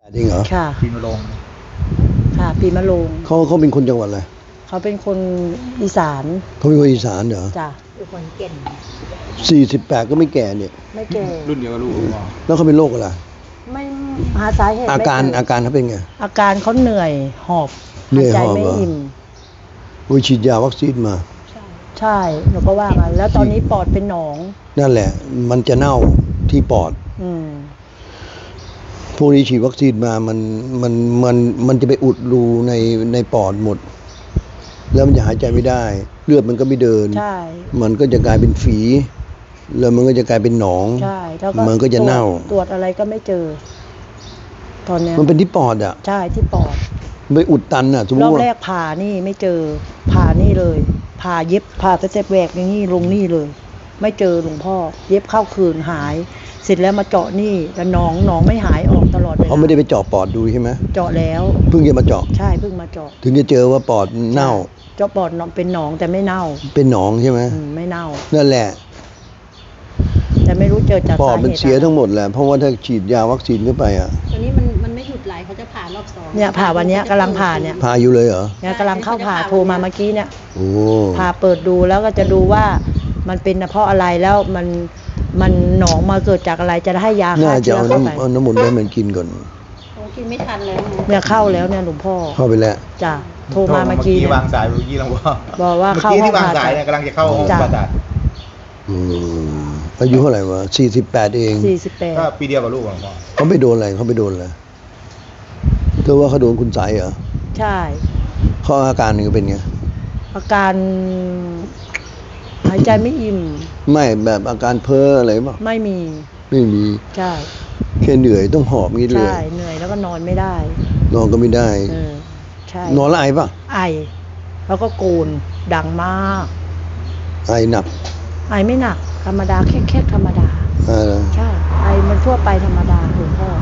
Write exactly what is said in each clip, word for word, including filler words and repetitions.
จริงเหรอค่ะปีมะโรงค่ะปีมะโรงเขาเขาเป็นคนจังหวัดอะไรเขาเป็นคนอีสานเขาเป็นคนอีสานเหรอจ้ะเป็นคนเก่งสี่สิบแปดก็ไม่แก่เนี่ยไม่แก่รุ่นเดียวกับลูกผมบอกแล้วเขาเป็นโรคอะไรไม่หาสาเหตุอาไม่การเจอาการเขาเป็นไงอาการเขาเหนื่อยหอบเหนื่อยหายใจหอบไม่เหรออิ่มโอ้ยฉีดยาวัคซีนมาใช่หนูก็ว่ากันแล้วตอนนี้ปอดเป็นหนองนั่นแหละ มันจะเน่าที่ปอดอืมพวกนี้ฉีดวัคซีนมามันมันมันมันจะไปอุดรูในในปอดหมด แล้วมันจะหายใจไม่ได้ เลือดมันก็ไม่เดินใช่มันก็จะกลายเป็นฝี แล้วมันก็จะกลายเป็นหนองใช่แล้วก็มันก็จะเน่าตรวจตรวจอะไรก็ไม่เจอ ตอนเนี้ยมันเป็นที่ปอดอ่ะใช่ที่ปอดไปอุดตันอ่ะสมมรติอบว่าแรกผ่านี่ไม่เจอผ่านี่เลยผ่าเย็บผ่าสเต็ปแหวกอย่างนี้ลงนี่เลย ไม่เจอหลวงพ่อ เย็บเข้าคืนหาย เสร็จแล้วมาเจาะนี่แต่หนองหนองไม่หายออกตลอดเวลาเขาไม่ได้ไปเจาะปอดดูใช่ไหมเจาะแล้วเพิ่งจะมาเจาะใช่เพิ่งมาเจาะถึงจะเจอว่าปอดเน่าเจาะปอดเป็นหนองแต่ไม่เน่าเป็นหนองใช่ไหมอืมไม่เน่านั่นแหละแต่ไม่รู้เจอจากปอสาดเหมันตุเสียอะไรทั้งหมดแหละ เพราะว่าถ้าฉีดยาวัคซีนเข้าไปอ่ะตอนนี้มันมันไม่หยุดไหลเขาจะผ่ารอบสองเนี่ยผ่าวันเนี้ยกำลังผ่าเนี่ยพาอยู่เลยเหรอเนี่ยกำลังเข้าผ่าโทรมาเมื่อกี้เนี่ยโอ้ผ่าเปิดดูแล้วก็จะดูว่ามันเป็นเพราะอะไรแล้วมันมันหนองมาเกิดจากอะไรจะได้ให้ยาน่าฆ่าจะเชื้อเอาเข้าไปน้ำเอาน้ำมนต์ให้มันกินก่อนผมกินไม่ทันแล้วนะเนี่ยเข้าแล้วเนี่ยหลวงพ่อเข้าไปแล้วจ้ะโทรมาเมื่อกี้เนี่ยวางสายเมื่อกี้หลวงพ่อบอกว่าเมื่อเข้ากี้ห้อที่งวางผ่าสายตัดเนี่ยกำลังจะเข้าห้องจ้ะผ่าตัดอืมอายุเท่าไหร่วะสี่สิบแปดเองสี่สิบแปดก็ปีเดียวกับลูกหลวงพ่อเขาไปโดนอะไรเขาไปโดนอะไรเธอว่าเขาโดนคุณใสยเหรอใช่เขาอาการนี่เป็นไงอาการหายใจไม่อิ่มไม่แบบอาการเพ้ออะไรป่ะไม่มีไม่มีใช่แค่เหนื่อยต้องหอบงี้เลยใช่เหนื่อยแล้วก็นอนไม่ได้นอนก็ไม่ได้เออใช่นอนแล้วไอป่ะไอ แล้วก็โกนดังมากไอหนักไอไม่หนักธรรมดาแค่แค่ธรรมดาอ่าใช่ ไอมันทั่วไปธรรมดาหลวงพ่อ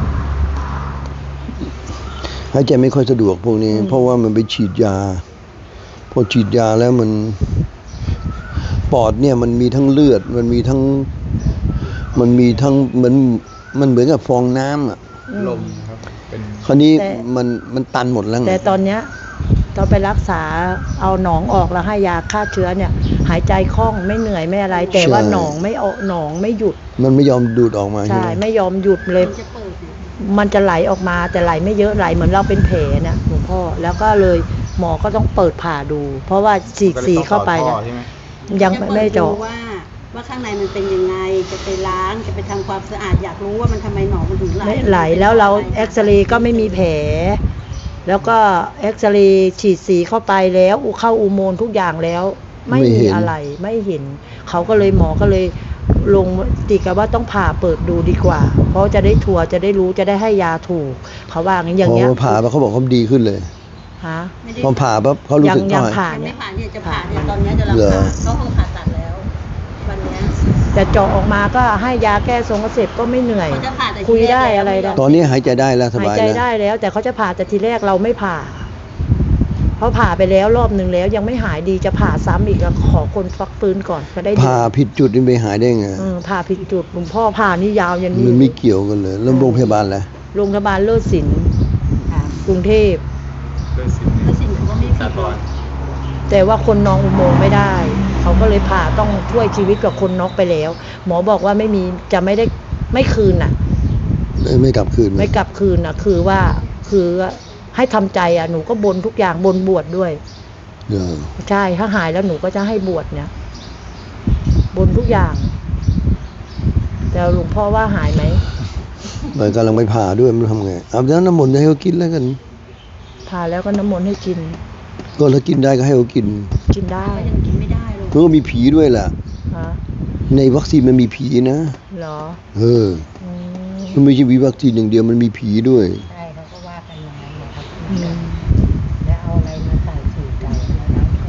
หายใจไม่ค่อยสะดวกพวกนี้อืมเพราะว่ามันไปฉีดยา พอฉีดยาแล้วมัน ปอดเนี่ยมันมีทั้งเลือด มันมีทั้ง มันมีทั้งเหมือนมันเหมือนกับฟองน้ำอ่ะอืมลมครับเป็นคราวนี้แต่มันมันตันหมดแล้วไงแต่ตอนเนี้ยตอนไปรักษาเอาหนองออกแล้วให้ยาฆ่าเชื้อเนี่ย หายใจคล่องไม่เหนื่อยไม่อะไร แต่ว่าหนองไม่ออกหนองไม่หยุดมันไม่ยอมดูดออกมาใช่ใช่ไหมไม่ยอมหยุดเลยมันจะเปิดอยู่มันจะไหลออกมาแต่ไหลไม่เยอะไหลเหมือนเราเป็นแผลเนี่ยหลวงพ่อแล้วก็เลยหมอก็ต้องเปิดผ่าดู เพราะว่าฉีกสีเข้าไปก็ลเนี่ยต้องต่อท่อใช่ไหมยังจะไม่เปิดเจาะดูว่าว่าข้างในมันเป็นยังไงจะไปล้างจะไปทำความสะอาดอยากรู้ว่ามันทำไมหนองมันถึงไหลไม่ไหลแล้วเราเอ็กซเรย์ก็ไม่มีแผล แล้วก็เอ็กซเรย์ฉีดสีเข้าไปแล้วอุเข้าอุโมงค์ทุกอย่างแล้ว ไม่มีอะไรไม่เห็น เขาก็เลยหมอก็เลยลงติกันว่าต้องผ่าเปิดดูดีกว่า เพราะจะได้ทัวร์จะได้รู้จะได้ให้ยาถูก เขาว่าอย่างอย่างเงี้ยพอผ่าแล้วเขาบอกเขาดีขึ้นเลยฮะไม่ได้พอผ่าปั๊บเขารู้สึกยังว่าผ่ามันไม่ผ่านเนี่ยจะผ่าเนี่ยตอนเนี้ยจะรับเหรอผ่าเข้าห้องผ่าตัดแล้ว วันเนี้ยแต่เจาะออกมาก็ให้ยาแก้ทรงกระเสพก็ไม่เหนื่อยเขาจะผ่าแต่ทีคุยแรกได้แล้วอะไรได้ตอนนี้หายใจได้แล้วสหายบายใจแล้วได้แล้ว แต่เขาจะผ่าแต่ทีแรกเราไม่ผ่าเพราะผ่าไปแล้วรอบหนึ่งแล้วยังไม่หายดีจะผ่าซ้ำอีกก็ขอคนฟักฟื้นก่อนก็ได้ดีผ่าผิดจุดนี่ไปหายได้ไงเออผ่าผิดจุดหลวงพ่อผ่านี่ยาวยันนี่มันไม่เกี่ยวกันเลยแล้วโรงพยาบาลแหละโรงพยาบาลเลิศศิลป์ค่ะกรุงเทพด้วยสิแล้วสิ่งเขาก็ไม่ผิสาดบอนแต่ว่าคนนองอุโมงค์ไม่ได้ เขาก็เลยผ่าต้องช่วยชีวิตกับคนน็อกไปแล้ว หมอบอกว่าไม่มีจะไม่ได้ไม่คืนน่ะไม่กลับคืนไม่กลับคืนน่ะ คือว่าคือให้ทำใจอ่ะหนูก็บนทุกอย่างบนบวชดด้วยเออใช่ถ้าหายแล้วหนูก็จะให้บวชเนี่ย บนทุกอย่าง แต่หลวงพ่อว่าหายไหมมันกำลังไปผ่าด้วยมันทำไงเอาแล้วน้ำมนต์จะให้เขากินแล้วกันผ่าแล้วก็น้ำมนต์ให้กินก็ถ้ากินได้ก็ให้เขากินกินได้ก็ยังกินไม่ได้เลยเพราะว่ามีผีด้วยแหละฮะในวัคซีนมันมีผีนะเหรอเอออืมมันไม่ใช่มีวัคซีนอย่างเดียวมันมีผีด้วยใช่เขาก็ว่ากันอย่างนั้นนะครับอืมแล้วเอาอะไรมาใส่ฉีดกันแล้วก็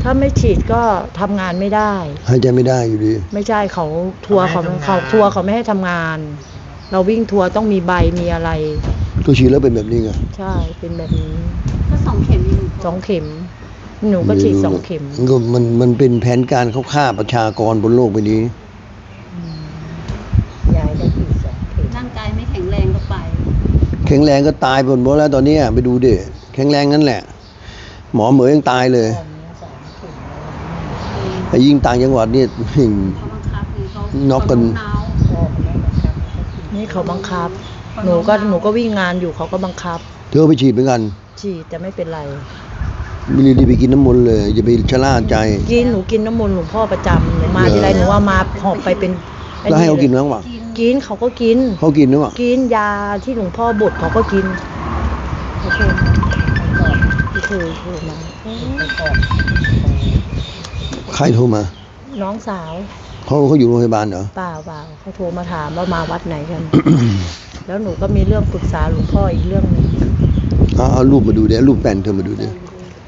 ถ้าไม่ฉีดก็ทำงานไม่ได้หายใจไม่ได้อยู่ดีไม่ใช่เขาทัวร์เขาเขาทัวร์เขาไม่ให้ทำงาน เราวิ่งทัวร์ต้องมีใบมีอะไรตัวฉีดแล้วเป็นแบบนี้ไงใช่เป็นแบบนี้ก็สองเข็มเองสองเข็ม หนูก็ฉีดสองเข็มนก็มันมันเป็นแผนการเขาฆ่าประชากรบนโลกใบนี้ยายได้ฉีดสองเข็มร่างกายไม่แข็งแรงก็ไปแข็งแรงก็ตายไปหมดแล้วตอนเนี้ยไปดูดิแข็งแรงนั่นแหละ หมอเหมยยังตายเลยไอ้ยิ่งต่างจังหวัดนี่เขาบังคับไงเขาน็อกกันเขานี่เขาบังคับ หนูก็หนูก็วิ่งงานอยู่เขาก็บังคับเธอไปฉีดเหมือนกันฉีดแต่ไม่เป็นไรไม่รีบไปกินน้ำมนต์เลยอย่าไปชะล่าใจกินหนูกินน้ำมนต์หลวงพ่อประจำหนูมาเหรอทีไรหนูว่ามาหอบไปเป็นไอ้แล้วให้เขากินลยบ้างวะกินเขาก็กินเขากินหรือเปล่ากินยาที่หลวงพ่อบดเขาก็กินเขาโทรมาที่เคยโทรมาใครโทรมาน้องสาวเขาเขาอยู่โรงพยาบาลเหรอเปล่าเปล่าเขาโทรมาถามว่ามาวัดไหนกัน แล้วหนูก็มีเรื่องปรึกษาหลวงพ่ออีกเรื่องหนึงเอาเอารูปมาดูเดี๋ยวรูปแป้นเธอมาดูเดี๋ยว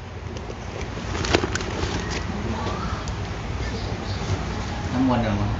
น้ำมนต์เหรอวะ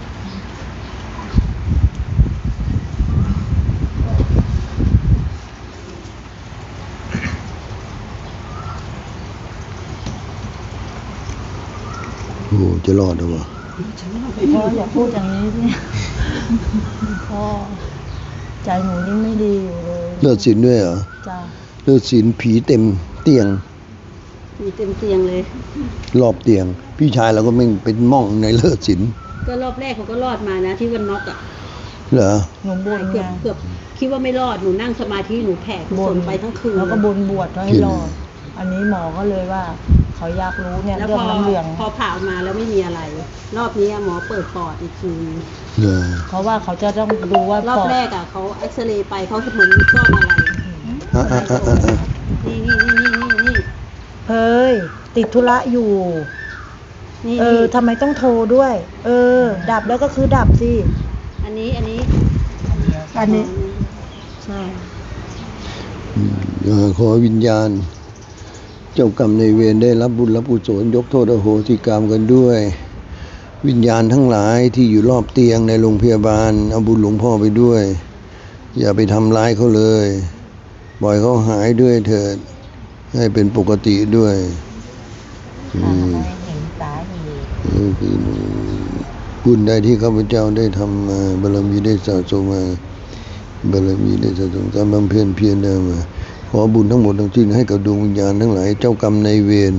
โอ้โหจะรอดหรือวะพ่ออย่าพูดอย่างนี้สิพ่อใจหนูยิ่งไม่ดีอยู่เลยเลือดสินด้วยเหรอจ้าเลือดสินผีเต็มเตียงมีเต็มเตียงเลยรอบเตียง พี่ชายเราก็ไม่งเป็นม่องในเลือดสินก็รอบแรกเขาก็รอดมานะที่วันน็อกอ่ะเหรอหนูบนเกืไงอบเกือบคิดว่าไม่รอดหนูนั่งสมาธิหนูแผ่กุศลไปทั้งคืนแล้วก็บนบวชไว้ให้รอดอันนี้หมอก็เลยว่าเขาอยากรู้เนี่ยแล้วเรื่อพงอน้ำเหลืองพอผ่าออกมาแล้วไม่มีอะไร รอบนี้หมอเปิดปอดอีกทีเหรอเพราะว่าเขาจะต้องดูว่ารอบปอดแรกอ่ะเขาเอ็กซเรย์ไปเขาเหมือนมีก้อนอะไรอ่ะอ่ะอ่ะอ่ะอ่ะนี่นี่นี่นี่นี่นี่เฮ้ยติดธุระอยู่นี่เออทำไมต้องโทรด้วย เออ ดับแล้วก็คือดับสิอันนี้อันนี้อันนี้ใช่อืมเอ่อขอวิญญาณ เจ้ากรรมในายเวรได้รับบุญรับกุศลยกโทษอโหสิกรรมกันด้วย วิญญาณทั้งหลายที่อยู่รอบเตียงในโรงพยาบาลเอาบุญหลวงพ่อไปด้วย อย่าไปทำร้ายเขาเลยปล่อยเขาหายด้วยเถิด ให้เป็นปกติด้วยอืมเห็นสาเหตุเออคือบุญใดที่ข้าพเจ้าได้ทำมาบารมีได้สะสมมาบารมีได้สะสมการบำเพ็ญเพียรได้มาขอบุญทั้งหมดทั้งสิ้นให้กับดวงวิญญาณทั้งหลายเจ้ากรรมนายเวร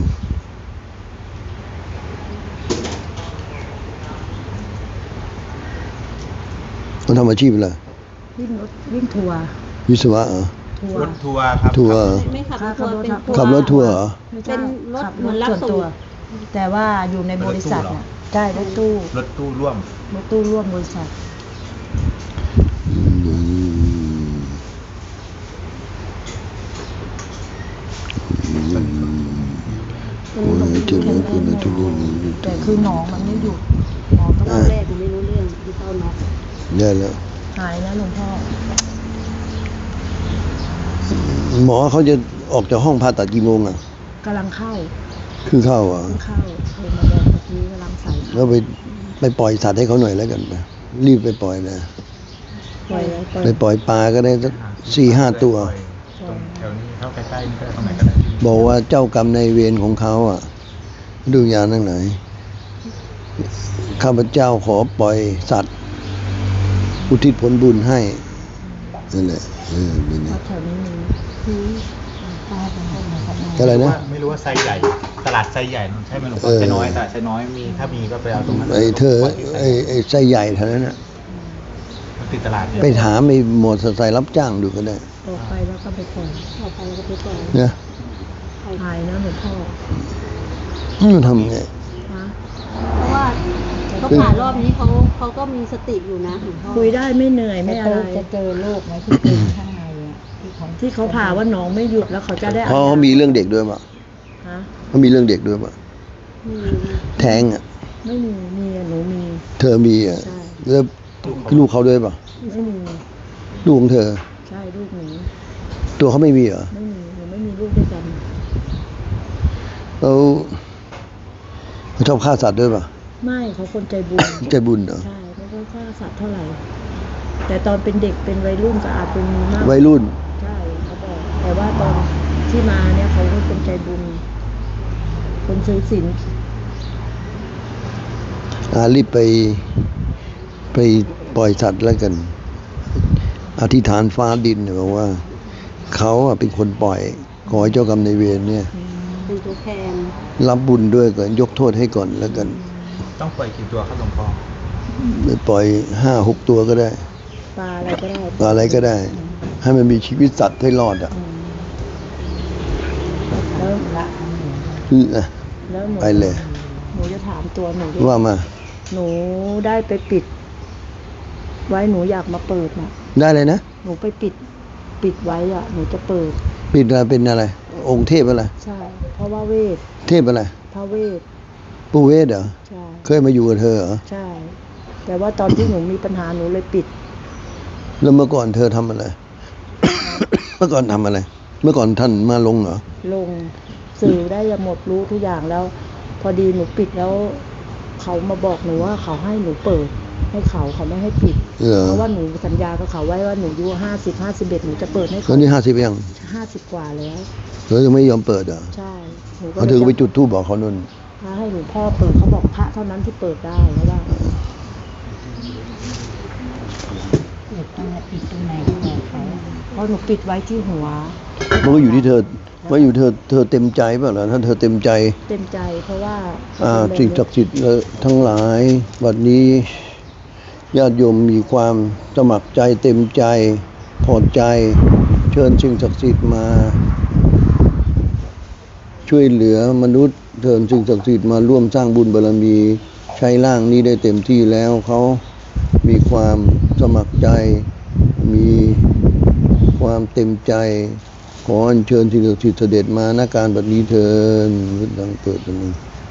เขาทำอาชีพอะไรวิ่งรถวิ่งทัวร์วิศวะเหรอทัวรร์ถทัวร์ครับทัวร์เหรอไม่ขับรถขัทัวบร์รถเป็นทัวร์ขับรถทัวร์เหรอเป็นรถขับเหมือนรับส่วนส่ตัวงแต่ว่าอยู่ในบริษัทน่ะใช่รถตู้รถตู้ร่วมรถตู้ร่วมบริษัทอืมโอ้ยเจ็บนะคุณนะทุกคนแต่คือหนองมันไม่หยุดหมอต้องรอบแรกหนูไม่รู้เรื่องที่เข้าน็อกได้แล้วหายนะหลวงพ่อหมอเขาจะออกจากห้องผ่าตัดกี่โมงอ่ะกำลังเข้าคือเข้าอ่ะเพิ่งเข้าโทรมาบอกเมื่อกี้กำลังใส่แล้วไปไปปล่อยสัตว์ให้เขาหน่อยแล้วกันไปรีบไปปล่อยนะปล่อยไว้ปล่อยไปปล่อยปลาก็ได้สักสี่ห้าตัวตรงแถวนี้เข้าใกล้ๆนี่ก็ได้ตรงไหนก็ได้บอกว่าเจ้ากรรมในายเวรของเขาอ่ะดูยานทั้งไหนข้าพเจ้าขอปล่อยสัตว์ อุทิศผลบุญให้นั่นแหละเออเป็นเพไงราะแถวนี้มีป้าเป็นคนมาครับอะไรนะไม่รู้ว่าไซส์ใหญ่ ตลาดไซส์ใหญ่ใช่ไหมหลวงพ่เอออไซส์น้อยตลาดไซส์น้อยมีถ้ามีก็ไปเอาตรงนั้นไอ้เธอปล่ยที่ไซไอ้ส์ไอ้ไส้ใหญ่เท่านั้นน่ะมันติดตลาดเนี่ยไปถามไอ้หมอเตอร์ไซค์รับจ้างดูก็ได้ออกไปแล้วก็ไปปล่อยออกไปแล้วก็ไปปล่อยนะหายนะหลวงพ่อมันทำไงฮะเพราะว่าเขาผ่ารอบนี้เขาเขาก็มีสติอยู่นะหลวงพ่อคุยได้ไม่เหนื่อยไม่อะไรจะเจอโรคไหมที่เป็นข้างในอ่ะที่เขาที่เขาผ่าว่าหนองไม่หยุดแล้วเขาจะได้เพราะเขามีเรื่องเด็กด้วยป่ะฮะเขามีเรื่องเด็กด้วยป่ะมีแท้งอ่ะไม่มีมีอะหนูมีเธอมีอ่ะใช่แล้วลูกเขาด้วยป่ะไม่มีลูกของเธอใช่ลูกหนูตัวเขาไม่มีเหรอไม่มีหนูไม่มีลูกด้วยกันแล้วเขาชอบฆ่าสัตว์ด้วยป่ะไม่เขาคนใจบุญใจบุญเหรอใช่ไม่ค่อยฆ่าสัตว์เท่าไหร่ แต่ตอนเป็นเด็กเป็นวัยรุ่นก็อาจเป็นมีมากวัยรุ่นใช่เขาบอกแต่ว่าตอนที่มาเนี่ยเขาเป็นคนใจบุญ คนซื้อสินอ่ารีบไป ไปปล่อยสัตว์แล้วกัน อธิษฐานฟ้าดินเนี่ยบอกว่าเขาอะเป็นคนปล่อย ขอให้เจ้ากรรมนายเวรเนี่ยเป็นตัวแทนรับบุญด้วยก่อนยกโทษให้ก่อนแล้วกันต้องปล่อยกี่ตัวครับหลวงพ่อไม่ปล่อยห้าหกตัวก็ได้ปลาอะไรก็ได้อะไรก็ได้ ให้มันมีชีวิตสัตว์ให้รอดอ่ะแล้วละอืออ่ะแล้วหนูไปเลยหนูจะถามตัวหนูด้วยว่ามาหนูได้ไปปิด ไว้หนูอยากมาเปิดนะได้เลยนะหนูไปปิด ปิดไว้อะหนูจะเปิดปิดอะไรเป็นอะไร องค์เทพอะไรใช่ เพราะว่าเวทเทพอะไรพระเวทปู่เวทเหรอใช่เคยมาอยู่กับเธอเหรอใช่ แต่ว่าตอนที่หนูมีปัญหาหนูเลยปิดแล้วเมื่อก่อนเธอทำอะไร เมื่อก่อนทำอะไร เมื่อก่อนท่านมาลงเหรอลงสื่อได้ยังหมดรู้ทุกอย่างแล้ว พอดีหนูปิดแล้ว เขามาบอกหนูว่าเขาให้หนูเปิด ให้เขาเขาไม่ให้ปิดเหรอเพราะว่าหนูสัญญากับเขาไว้ว่าหนูอายุห้าสิบห้าสิบเอ็ดหนูจะเปิดให้ตอเขานนี้ห้าสิบยังห้าสิบกว่าแล้วเธอยังไม่ยอมเปิดเหรอใช่หนูก็เอาเธอก็ไปจุดธูปบอกเขานุ่นพระให้หลวงพ่อเปิดเขาบอกพระเท่านั้นที่เปิดได้เพราะว่าปิดตรงไหนปิดตรงไหนบอกเขาเพราะหนูปิดไว้ที่หัวมันก็อยู่ที่เธอว่าอยู่เธอเธอเต็มใจเปล่าล่ะถ้าเธอเต็มใจเต็มใจเพราะว่าอ่าสิ่งศักดิ์สิทธิ์ทั้งหลายวันนี้ญาติโยมมีความสมัครใจเต็มใจพอใจ เชิญสิ่งศักดิ์สิทธิ์มา ช่วยเหลือมนุษย์เชิญสิ่งศักดิ์สิทธิ์มาร่วมสร้างบุญบารมี ใช้ร่างนี้ได้เต็มที่แล้วเขามีความสมัครใจ มีความเต็มใจ ขออัญเชิญสิ่งศักดิ์สิทธิ์เสด็จมาณการบัดนี้เถิดดังเกิดตรงนี้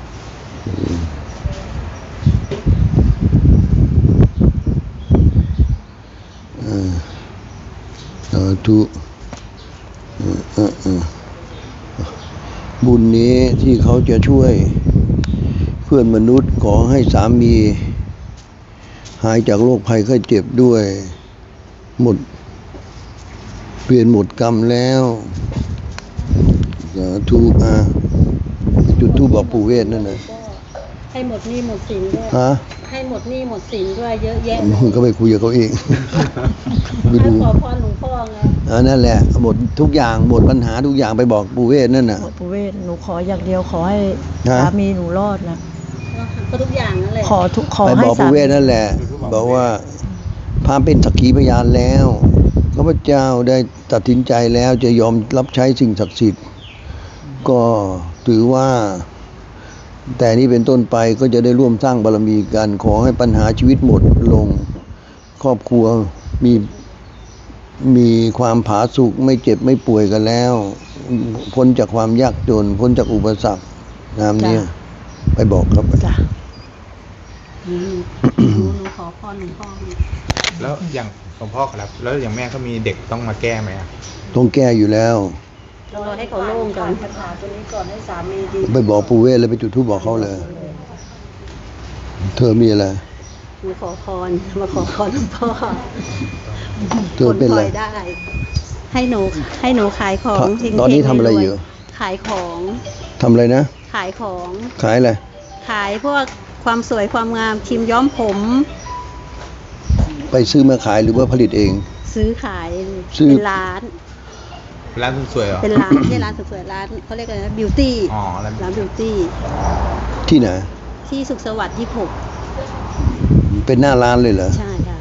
อ่าสาธุอ่าอ่าอ่าบุญนี้ที่เขาจะช่วยเพื่อนมนุษย์ขอให้สามี หายจากโรคภัยไข้เจ็บด้วย หมด เปลี่ยนหมดกรรมแล้วสาธุอ่าจุดธูปบอกปู่เวทนั่นน่ะให้หมดหนี้หมดสินด้วยฮะให้หมดหนี้หมดสินด้วยเยอะแยะมึงก็ไปคุยกับเขาเอง ไปให้ดูขอพรหลวงพ่อไงอ่านั่นแหละหมดทุกอย่างหมดปัญหาทุกอย่างไปบอกปู่เวทนั่นน่ะปู่เวทหนูขออย่างเดียวขอให้ฮะสามีหนูรอดนะก็ทุกอย่างนั่นแหละขอทุกขอไปให้บอกสาปู่มีเวทนั่นแหละ บอกว่าพระเป็นสักขีพยานแล้วข้าพเจ้าได้ตัดสินใจแล้วจะยอมรับใช้สิ่งศักดิ์สิทธิ์ก็ถือว่า แต่นี้เป็นต้นไปก็จะได้ร่วมสร้างบารมีกัน ขอให้ปัญหาชีวิตหมดลง ครอบครัวมีมีความผาสุกไม่เจ็บไม่ป่วยกันแล้ว พ้นจากความยากจน พ้นจากอุปสรรคนามเนี้ยไปบอกครับจ้ะอืมหนูหนูขอพรหลวงพ่อไงแล้วอย่างหลวงพ่อครับ แล้วอย่างแม่เขามีเด็กต้องมาแก้ไหมอะต้องแก้อยู่แล้วรอให้เขาโล่งก่อนปัญหาตัวนี้ก่อนให้สามีดีไปบอกปู่เวทเลยไปจุดธูปบอกเขาเลย เธอมีอะไรมาขอพรมาขอพรหลวงพ่อเธอเป็นอะไรผลพลยได้ ให้หนูให้หนูขายของเฮงๆตอนนี้ทำอะไรอยู่ขายของทำอะไรนะขายของขายอะไรขายพวกความสวยความงามครีมย้อมผมไปซื้อมาขายหรือว่าผลิตเองซื้อขายซื้อเป็นร้านร้านสวยๆเหรอเป็นร้านไม่ใช่ร้านสวยๆร้านเขาเรียกอะไรนะบิวตี้อ๋อร้านร้านบิวตี้ที่ไหนที่สุขสวัสดิ์ยี่สิบหกเป็นหน้าร้านเลยเหรอใช่ค่ะ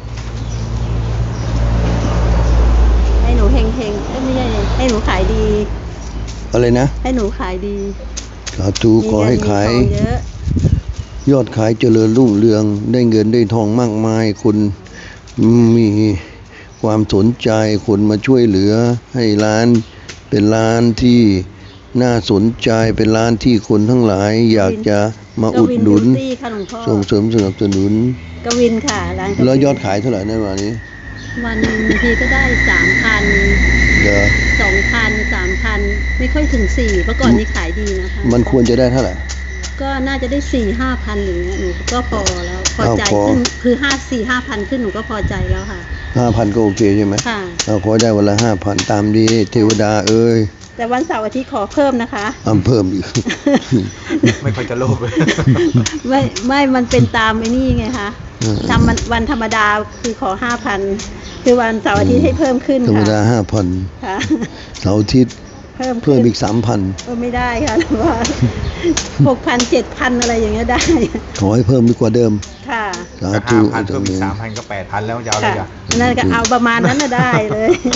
ให้หนูเฮงเฮงๆเอ้ยไม่ใช่ให้หนูขายดีอะไรนะให้หนูขายดีสาธุขอให้ขายมีเงินมีทองเยอะยอดขายเจริญรุ่งเรือง ได้เงินได้ทองมากมายคนมีความสนใจคนมาช่วยเหลือ ให้ร้านเป็นร้านที่น่าสนใจเป็นร้านที่คนทั้งหลาย อยากจะมาอุดหนุนกวินบิวตี้ค่ะหลวงพ่อส่งเสริมสนับสนุนกวินค่ะร้านกวินแล้วยอดขายเท่าไหร่ในวันนี้วันหนึ่งบางทีก็ได้สามพันเดี๋ยวสองพันสามพันไม่ค่อยถึงสี่เมื่อก่อนนี้ขายดีนะคะมันควรจะได้เท่าไหร่ก็น่าจะได้สี่ห้าพันอย่างเงี้ยหนูก็พอแล้วพอใจอ้าวพอขึ้นคือห้าสี่ห้าพันขึ้นหนูก็พอใจแล้วค่ะห้าพันก็โอเคใช่ไหมค่ะเอาขอได้วันละห้าพันตามนี้เทวดาเอ้ยกแต่วันเสาร์อาทิตย์ขอเพิ่มนะคะอำเพิ่มอีกไม่ค่อยจะโลภเลยไม่ไม่มันเป็นตามไอ้นี่ไงคะเออทำมันวันธรรมดาคือขอห้าพันคือวันเสาร์อาทิตย์ให้เพิ่มขึ้นธรรมค่ะดาห้าพันค่ะเสาร์อาทิตย์เพิ่มเพิ่ขึ้มนอีกสามพันเออไม่ได้ค่ะหรือว่าหกพันเจ็ดพันอะไรอย่างเงี้ยได้ขอให้เพิ่มดีกว่าเดิมค่ะสาก็ธุห้าพันเพิ่มอีกสามพันก็แปดพันแล้วยาวเลยค่ะอ่ะนั่นก็เอาประมาณนั้นน่ะได้เลย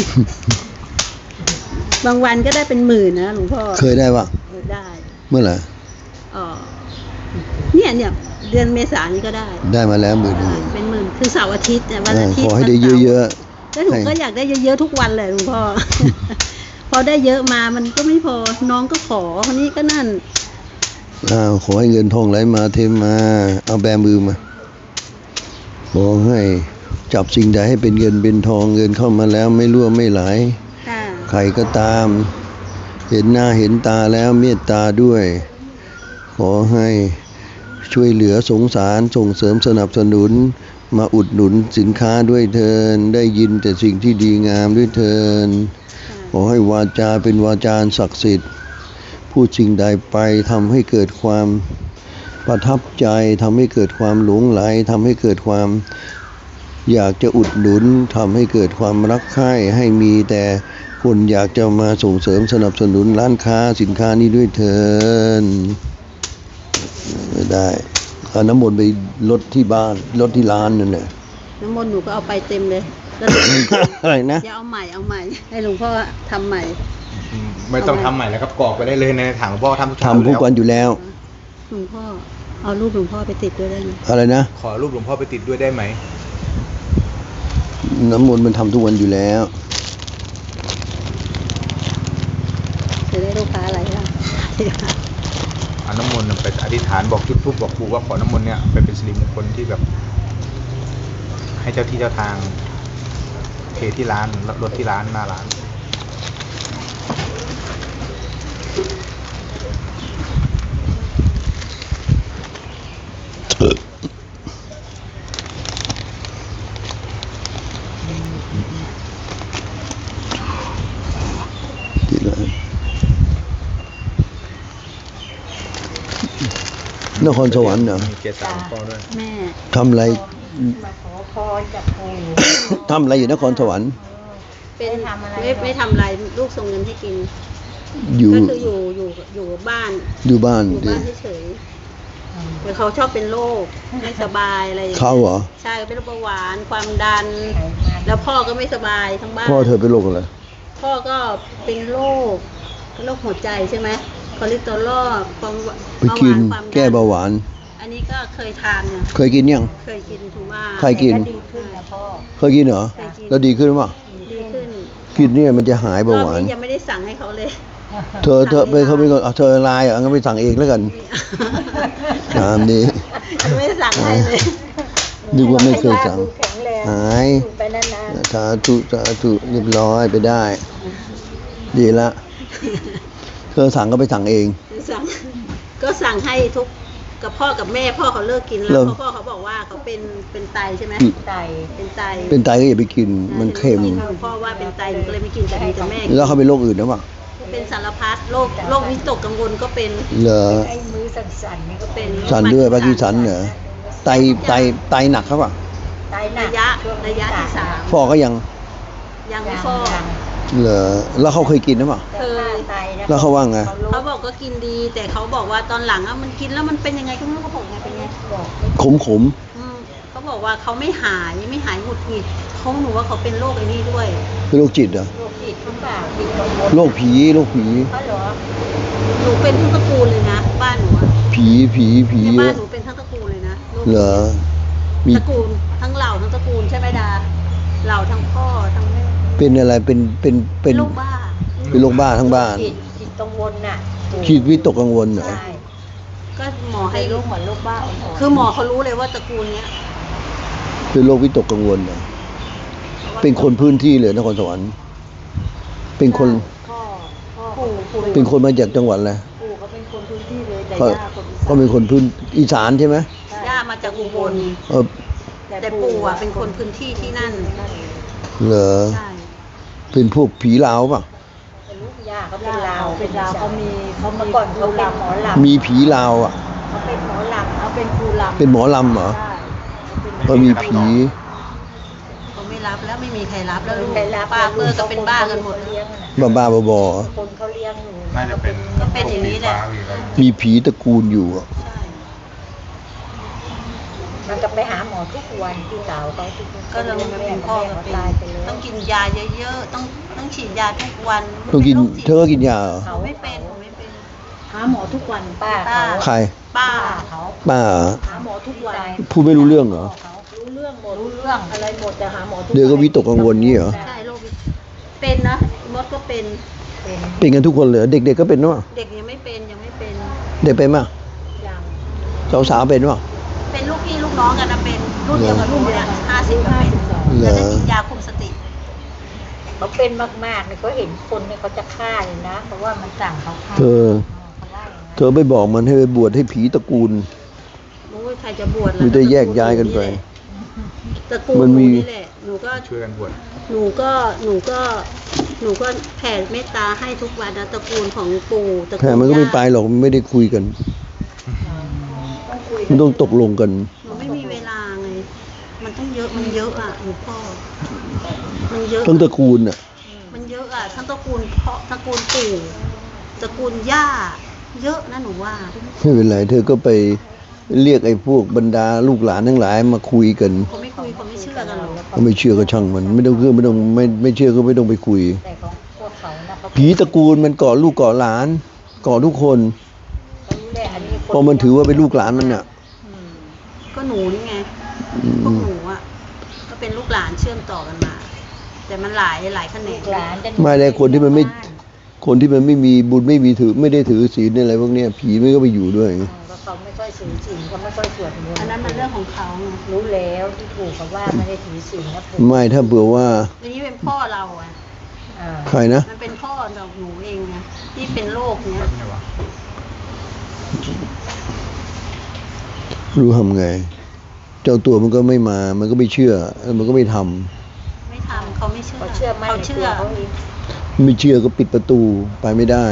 บางวันก็ได้เป็นหมื่นนะหลวงพ่อเคยได้ปะเออได้เมื่อไหร่อ๋อเนี่ยเนี่ยเดือนเมษายนนี้ก็ได้ได้มาแล้วหมื่นหนึ่งเป็นหมื่นคือเสาร์อาทิตย์เนี่ยวันเอออาทิตย์ขอให้ได้เยอะๆแล้วหนูให้ก็อยากได้เยอะๆทุกวันเลยหลวงพ่อ พอได้เยอะมามันก็ไม่พอน้องก็ขอคนนี้ก็นั่นอ้าวขอให้เงินทองไหลมาเทมา เอาแบมือมา ขอให้จับสิ่งใดให้เป็นเงินเป็นทองเงินเข้ามาแล้วไม่รั่วไม่ไหลค่ะใครก็ตาม เห็นหน้าเห็นตาแล้วเมตตาด้วย ขอให้ช่วยเหลือสงสารส่งเสริมสนับสนุน มาอุดหนุนสินค้าด้วยเทินได้ยินแต่สิ่งที่ดีงามด้วยเทินขอให้วาจาเป็นวาจาศักดิ์สิทธิ์ พูดสิ่งใดไปทำให้เกิดความประทับใจทำให้เกิดความหลงไหลทำให้เกิดความอยากจะอุดหนุนทำให้เกิดความรักใคร่ให้มีแต่คนอยากจะมาส่งเสริมสนับสนุนร้านค้าสินค้านี้ด้วยเถินไม่ได้เอาน้ำมนต์ไปลดที่บ้านลดที่ร้านนั่นแหละน้ำมนต์หนูก็เอาไปเต็มเลยแล้วอะไรนะอย่าเอาใหม่เอาใหม่ ให้หลวงพ่อทำใหม่อืมไม่ต้องทำใหม่แล้วครับกรอกไปได้เลยในถังหลวงพ่อทำทุกเช้าทำทุกวันอยู่แล้วหลวงพ่อเอารูปหลวงพ่อไปติดด้วยได้ไหมอะไรนะขอรูปหลวงพ่อไปติดด้วยได้ไหมน้ำมนต์มันทำทุกวันอยู่แล้วจะได้ลูกค้าอะไรล่ะเอาน้ำมนต์ไปอธิษฐานบอกจุดธูปบอกครูว่าขอน้ำมนต์เนี่ยไปเป็นสิริมงคลที่แบบ ให้เจ้าที่เจ้าทางเทที่ร้านรถที่ร้านหน้าร้านที่ร้านนครสวรรค์เหรอมีเกศาหลวงพ่อด้วยแม่ทำอะไรมาขอพรจากปู่ทำอะไรอยู่นครสวรรค์เป็นไม่ทำอะไรไม่ไม่ทำอะไรลูกส่งเงินให้กินอยู่ก็คืออยู่อยู่อยู่บ้านอยู่บ้านอยู่บ้านเฉยๆแต่เขาชอบเป็นโรคไม่สบายอะไรอย่างงี้ยเขาเหรอใช่เป็นโรคเบาหวานความดัน แล้วพ่อก็ไม่สบายทั้งบ้านพ่อเธอเป็นโรคอะไรพ่อก็เป็นโรคโรคหัวใจใช่ไหมคอเลสเตอรอลความไปเบาหกิวาน นความดันแก้เบาหวานอันนี้ก็เคยทานเนี่ยเคยกินยังเคยกินถูกว่าใครกินแต่ดีขึ้นนะพ่อเคยกินเหรอเคยกินแล้วดีขึ้นป่ะดีขึ้นกินเนี่ยมันจะหายเบารอบหวานนี้ยังไม่ได้สั่งให้เขาเลยเธอเธอไปเขาไปก่อนเอาเธอไลน์อ่ะงั้นไปสั่งเองแล้วกันตามนี้ยังไม่ได้สั่งให้เลยนึกว่าไม่เคยสั่งแข็งแรงหายอยู่ไปนานสาธุสาธุเรียบร้อยไปได้ ดีละ เธอสั่งก็ไปสั่งเองสั่งก็สั่งให้ทุกกับพ่อกับแม่พ่อเขาเลิกกินเลิแล้วกเพราะพ่อเขาบอกว่าเขาเป็นเป็นไตใช่ไหมอืมๆไตเป็นไตเป็นไตก็อย่าไปกิน มันเค็มพ่อว่าเป็นไตหนูก็เลยไม่กินแต่มีแต่แม่กินแล้วเขาเป็นโรคอื่นหรือเปล่าเป็นสารพัดโรคโรควิตกกังวลก็เป็นเหรอไอ้มือสั่นๆนี่ก็ก็เป็เป็น นสันด้วยปากีสันเหรอไตไตไตหนักครับป่ะไตหนัระกยะช่วงระยะที่สามฟอกก็ยังยังยัไม่งฟอกยังเหรอแล้วเขาเคยกินหรือเปล่าแต่ค่าไตนะแล้วเขาว่าไงเขาบอกก็กินดี แต่เขาบอกว่าตอนหลังอะมันกินแล้วมันเป็นยังไงก็ไม่รู้เขาบอกไงเป็นไงบอกขมขมอืมเขาบอกว่าเขาไม่หายไม่หายหงุดหงิดเขาหนูว่าเขาเป็นโรคไอ้นี่ด้วยเป็นโรคจิตเหรอโรคจิตหรือเปล่าจิตกังวลโรคผีโรคผีเขาเหรอหนูเป็นทั้งตระกูลเลยนะบ้านหนูอะผีผีผีในเยบ้านอะหนูเป็นทั้งตระกูลเลยนะโรคเหรอมีตระกูลทั้งเหล่าทั้งตระกูลใช่ไหมดาเหล่าทั้งพ่อทั้งแม่เป็นอะไรเป็นเป็นเป็นโรคบ้าเป็นโรคบ้าทั้งบ้านจิตจิตกังวลน่ะคิดวิตกกังวลเหรอใช่ก็หมอให้ให้ลูกเหมือนลูกบ้าอ่อนๆคือหมอเขารู้เลยว่าตระกูลเนี้ยเป็นโรควิตกกังวลเหรอเป็นคนพื้นที่เลยนครสวรรค์เป็นคนพ่อพ่อปู่ปู่เป็นคนมาจากจังหวัดอะไรปู่เขาเป็นคนพื้นที่เลยแต่เขาย่าคนอีสานเขาเป็นคนพื้นอีสานใช่ไหมย่ามาจากอุบลเออแต่ปู่อ่ะเป็นคนพื้นที่ที่นั่นเหรอใช่เป็นพวกผีลาวป่ะเป็นลูกย่าเขาเป็นลาวเป็นลาวเขามีเขาเมื่มีอก่อนเขาเป็นหมอลำมีผีลาวอ่ะเขาเป็นหมอลำเขาเป็นครูลำเป็นหมอลำเหรอใช่ก็มีผีเขาไม่รับแล้วไม่มีใครรับแล้วลูกใครรับป้าเพื่อก็เป็นบ้ากันหมดเลี้ยงอะนะบ้าบ้าๆบอคนเขาเลี้ยงอยู่น่าจะเป็นก็เป็นอย่างนี้แหละๆมีผีตระกูลอยู่อะใช่มันก็ไปหาหมอทุกวันที่สาวเขาทุกวันก็เราเป็นพ่อก็เป็นตายไปแล้วต้องกินยาเยอะๆต้องต้องฉีดยาทุกวันต้องกินป็โรคจิตเธอก็กินยาเหรอเขาไม่เป็นเขาไม่เป็นหาหมอทุกวันป้าเขาใครป้าเขาป้าเหรอหาหมอทุกวันพูดไม่รู้เรื่องเหรอรู้เรื่องหมดรู้เรื่องอะไรหมดแต่หาหมอทุกวันเดี๋ยวก็วิตกกังวลงี้เหรอใช่โรคเป็นนะมดก็เป็นเป็นเป็นกันทุกคนเลยเหรอเด็กๆก็เป็นวะเด็กยังไม่เป็นยังไม่เป็นเด็กเป็นมั้ยอย่างสาวๆเป็นวะเป็นลูกพี่ลูกน้องกันนะเป็นรุ่นเดียวกับลูกเนี่ยห้าสิบก็เป็นเหรอแล้วจะกินยาคุมสติเขาเป็นมากๆเนี่ยเขาเห็นคนเนี่ยเขาจะฆ่าเลยนะ เพราะว่ามันสั่งเขาฆ่าเธอเขาว่าอย่างนั้นเธอไปบอกมันให้ไปบวชให้ผีตระกูลรู้ว่าใครจะบวชหรือจะแยกย้ายกันไปตระกูลมันมีหนี่แหละหนูก็ช่วยกันบวชหนูก็หนูก็หนูก็แผ่เมตตาให้ทุกวันนะตระกูลของปู่ตระกูลแต่มันก็ไม่ย่าไปหรอกมันไม่ได้คุยกัน มันต้องตกลงกันหนูไม่มีเวลาไงมันต้องเยอะมันเยอะอ่ะหลวงพ่อมันเยอะทั้งตระกูลอ่ะมันเยอะอ่ะทั้งตระกูลพ่อตระกูลปู่ตระกูลย่า เยอะนะหนูว่าไม่เป็นไรเธอก็ไปเรียกไอ้พวกบรรดาลูกหลานทั้งหลายมาคุยกันเขาไม่คุยเขาไม่เชื่อกันหรอกก็ไม่เชื่อก็ช่างมัน ไม่ต้องเชื่อไม่ต้องไม่ไม่เชื่อก็ไม่ต้องไปคุยแต่ของพวกเขานะเขาผีตระกูลมันก่อลูกก่อหลานก่อทุกคนเขารู้แหละอันนี้คเพราะมันถือว่าเป็นลูกหลานมันอ่ะก็หนูนี่ไงอืพวกมหนูอ่ะก็เป็นลูกหลานเชื่อมต่อกันมา แต่มันหลายหลายแขนลูงกหลานจะไม่ได้คนที่มันไม่ คนที่มันไม่มีบุญไม่มีถือไม่ได้ถือศีลอะไรพวกเนี้ยผีมันก็ไปอยู่ด้วยเพราะเขาไม่ค่อยถือศีลเขาไม่ค่อยสวดมนต์อันนั้นมันเรื่องของเขาไงรู้แล้วที่ถูกเขาว่าไม่ได้ถือศีลนะถูกไม่ถ้าเผื่อว่าอันนี้เป็นพ่อเราอ่ะอ่าใครนะมันเป็นพ่อเราหนูเองไงที่เป็นโรคเนี้ยไม่ใช่วะรู้ทำไง เจ้าตัวมันก็ไม่มา มันก็ไม่เชื่อแล้วมันก็ไม่ทำไม่ทำเขาไม่เชื่อเขาเชื่อมั่นเขาในตัเชื่วอเขาเองไม่เชื่อก็ปิดประตูไปไม่ได้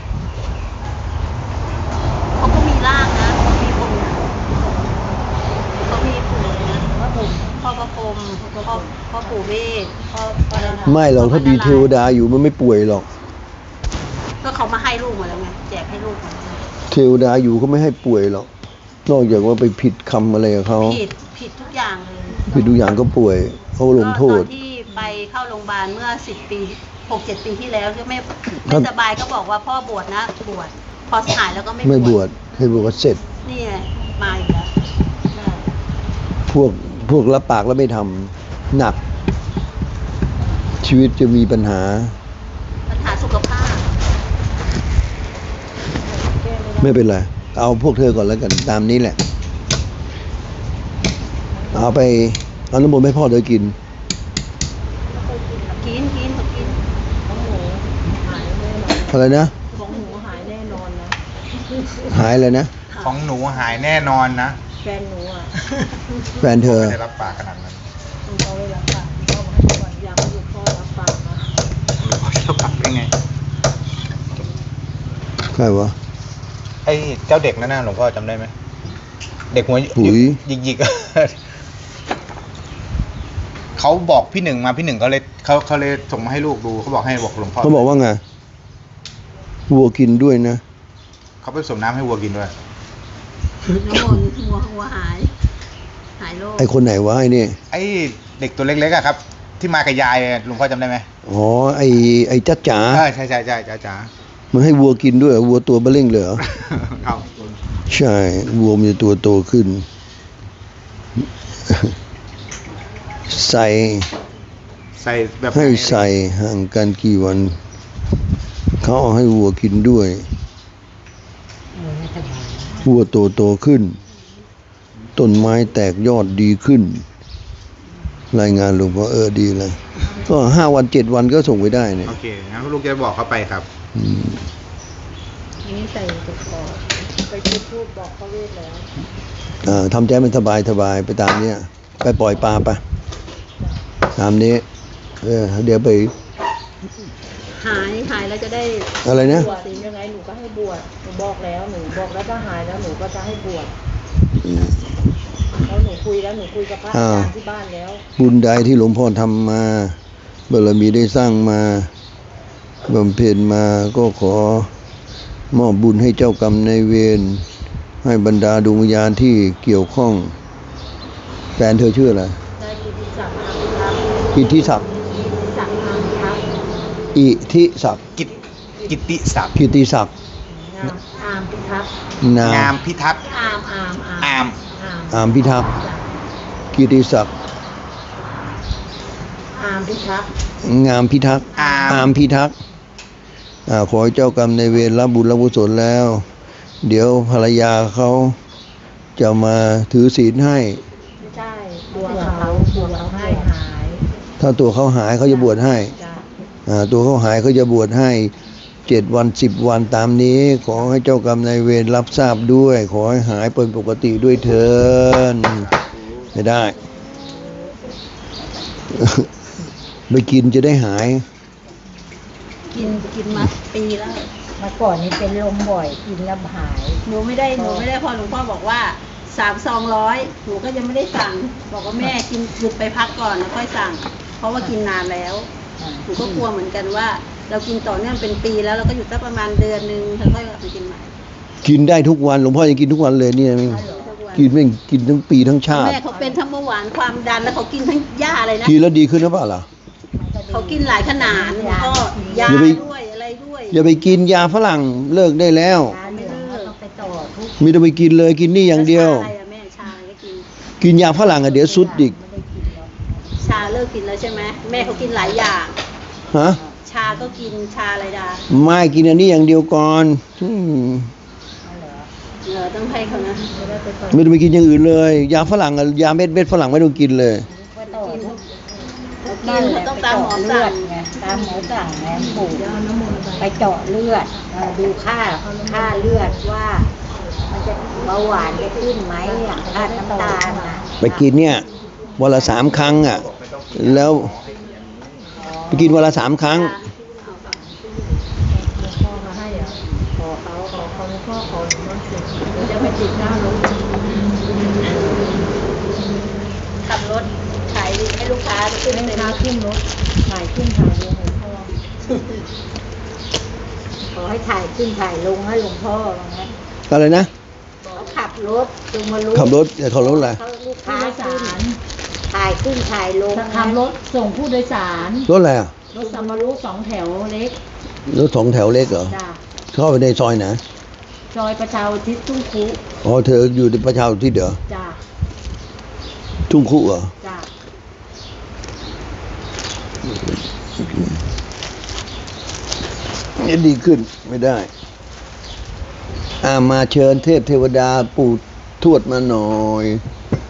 เขาก็มีร่างนะเขามีปู่เขามีปู่นะพ่อปู่พ่อพระพรหมพ่อพ่อปู่เวทพ่อพ่ออะไรนะไม่หรอกถ้ามีเทวดาอยู่มันไม่ป่วยหรอกก็เขามาให้ลูกมาแล้วไงแจกให้ลูกมาเทวดาอยู่เขาไม่ให้ป่วยหรอก นอกจากว่าไปผิดคำอะไรกับเขาผิดผิดทุกอย่างเลยผิดทุกอย่างก็ป่วยเขาลงโทษก็ตอนที่ไปเข้าโรงพยาบาลเมื่อสิบปีหกเจ็ดปีที่แล้วที่ไม่ครัไม่บสบายก็บอกว่าพ่อบวชนะบวชพอหายแล้วก็ไม่ไม่บวชให้บวชก็เสร็จนี่ไงมาอีกแล้วพวกพวกรับปากแล้วไม่ทำหนัก ชีวิตจะมีปัญหาปัญหาสุขภาพไม่เป็นไร เอาพวกเธอก่อนแล้วกัน ตามนี้แหละ เอาไปเอาน้ำมนต์ให้พ่อเธอกินกินกินเขากินอะไรนะของหนูหายแน่นอนนะหายเลยนะของหนูหายแน่นอนนะแฟนหนูอ่ะแฟนเธอไม่ได้รับปากขนาดนั้นเขาไม่รับปากเขาบอกให้ทุกวันยังอยู่พ่อรับปากนะรับปากได้ไงใครวะไอ้เจ้าเด็กนั่นน่ะหลวงพ่อจำได้ไหมเด็กหัวปุ๋ยหยิกหยิกๆ เขาบอกพี่หนึ่งมาพี่หนึ่งเขาเลยเขาเขาเลยส่งมาให้ลูกดูเขาบอกให้บอกหลวงพ่อเขาบอกว่าไง วัวกินด้วยนะเขาไปสมน้ำให้วัวกินด้วยน้ำมนต์หัวหัวหาย หายโรคไอคนไหนวะไอนี่ไอ้เด็กตัวเล็กๆอะครับ ที่มากับยายหลวงพ่อจำได้ไหมอ๋อ ไอไอจ้าจ๋าเออใช่ใช่ใช่จ้าจ๋ามันให้วัวกินด้วยเหรอวัวตัวเบลเล่งเลยเหรอครับใช่ วัวมันจะตัวโตขึ้น ใส่ใส่แบบให้ใส่ห่างกันกี่วัน เขาเอาให้วัวกินด้วย วัวโตโตขึ้น ต้นไม้แตกยอดดีขึ้น รายงานหลวงพ่อเออดีเลย ก็ห้าวันเจ็ดวันก็ส่งไปได้เนี่ยโอเคงั้นลูกจะบอกเขาไปครับอืมอันนี้ใส่ตะกอไปพูดพูดบอกเขาเวทแล้วอ่าทำใจมันสบายสบายไปตามเนี้ยไปปล่อยปลาไปตามนี้ เออเดี๋ยวไปหายหายแล้วจะได้อะไรนะบวชยังไงหนูก็ให้บวชหนูบอกแล้วหนูบอกแล้วถ้าหายแล้วหนูก็จะให้บวชแล้วหนูคุยแล้วหนูคุยกับพระอาจารย์ที่บ้านแล้วบุญใดที่หลวงพ่อทำมาบารมีได้สร้างมาบำเพ็ญมาก็ขอมอบบุญให้เจ้ากรรมนายเวรให้บรรดาดวงวิญญาณที่เกี่ยวข้องแฟนเธอชื่ออะไรได้กิติศักดิ์อามทัพย์อิทธิศักดิ์กิติศักดิ์อามทัพย์อิทธิศักดิ์กิตกิตติศักดิ์กิติศักดิ์งามอามพิทักษ์นางาม มพิทักษ์อามอามอามอามอามอามพิทักษ์กิติศักดิ์อามพิทักษ์งามพิทักษ์อามอามพิทักษ์อ่าขอให้เจ้ากรรมในายเวรรับบุญรับกุศลแล้ว เดี๋ยวภรรยาเขาจะมาถือศีลให้ไม่ใช่ตัวเขาตัวเขาให้หายถ้าตัวเขาหายเขาจะบวชให้จ้ะอ่าตัวเขาหายเขาจะบวชให้เจ็ดวันสิบวันตามนี้ ขอให้เจ้ากรรมนายเวรรับทราบด้วย ขอให้หายเป็นปกติด้วยเถินไม่ได้ ไปกินจะได้หายกินกินมาปีแล้วเมื่อก่อนนี้เป็นลมบ่อยกินแล้วหายหนูไม่ได้หนูไม่ได้พอหลวงพ่อบอกว่าสามซองร้อยหนูก็ยังไม่ได้สั่ง บอกว่าแม่กินหยุดไปพักก่อนแล้วค่อยสั่ง เพราะว่ากินนานแล้วหนูก็กลัวเหมือนกันว่า เรากินต่อเนื่องเป็นปีแล้วเราก็หยุดสักประมาณเดือนนึงแล้วค่อยกลับไปกินใหม่กินได้ทุกวันหลวงพ่อยังกินทุกวันเลยเนี่ยไม่กินไม่กินทั้งปีทั้งชาติแม่เขาเป็นทั้งเบาหวานความดันแล้วเขากินทั้งยาอะไรนะกินแล้วดีขึ้นหรือเปล่าล่ะเขากินหลายขนาดแล้วก็ยาอย่าไปด้วยอะไรด้วยอย่าไปกินยาฝรั่งเลิกได้แล้วตาเหลืองก็ต้องไปต่อทุกไมีต้องไปกินเลยกินนี่อย่างเดียวชาอะไรอะแม่ชาอะไรก็กินกินยาฝรั่งอะเดี๋ยวสุดอีกไม่ได้กินหรอกชาเลิกกินแล้วใช่ไหมแม่เขากินหลายอย่างฮะชาก็กินชาอะไรดาไม่กินอันนี้อย่างเดียวก่อนอืมเอาเหรอเออต้องให้เขานะไม่ต้องไปกินอย่างอื่นเลย ยาฝรั่งอะยาเม็ดเม็ดฝรั่งไม่ต้องกินเลยไปต่อทุกเขากินเขาต้องตามหมอเลืสั่อง ดไงตามหมอสั่งไงปู่ไปเจาะเลือดเอ่อดูค่าค่าเลือดว่า มันจะเบาหวานจะขึ้นไหมอ่ะค่าน้ำตาลนะไปกินเนี่ยวันละสามครั้งอ่ะ แล้วไปกินวันละสามครั้งพ่อมาให้อ่ะขอเขาขอเขาหลวงพ่อขอหลวงพ่อเสร็จเดี๋ยวจะไปติดหน้ารถขับรถขายให้ลูกค้าขึ้นให้เป็นค้าขึ้นรถถ่ายขึ้นถ่ายลงหลวงพ่อขอให้ถ่ายขึ้นถ่ายลงให้หลวงพ่อว่างั้นอะไรนะเขาขับรถจงมารู้ขับรถเอ่อขับรถอะไรเขาลูกผู้ค้าโดยขึ้สาน รถ่ายขึ้นถ่ายลงขับรถส่งผู้โดยสารรถอะไรอ่ะรถสัมมารุสองแถวเล็กรถสองแถวเล็กเหรอจ้ะเข้าไปในซอยไหนซอยประชาอุทิศทุ่งคุอ๋อเธออยู่ในประชาอุที่เดี๋ยวจ้ะทุ่งคุเหรอจ้ะเนี่ยดีขึ้นไม่ได้ อ่ามาเชิญเทพเทวดาปู่ทวดมาหน่อย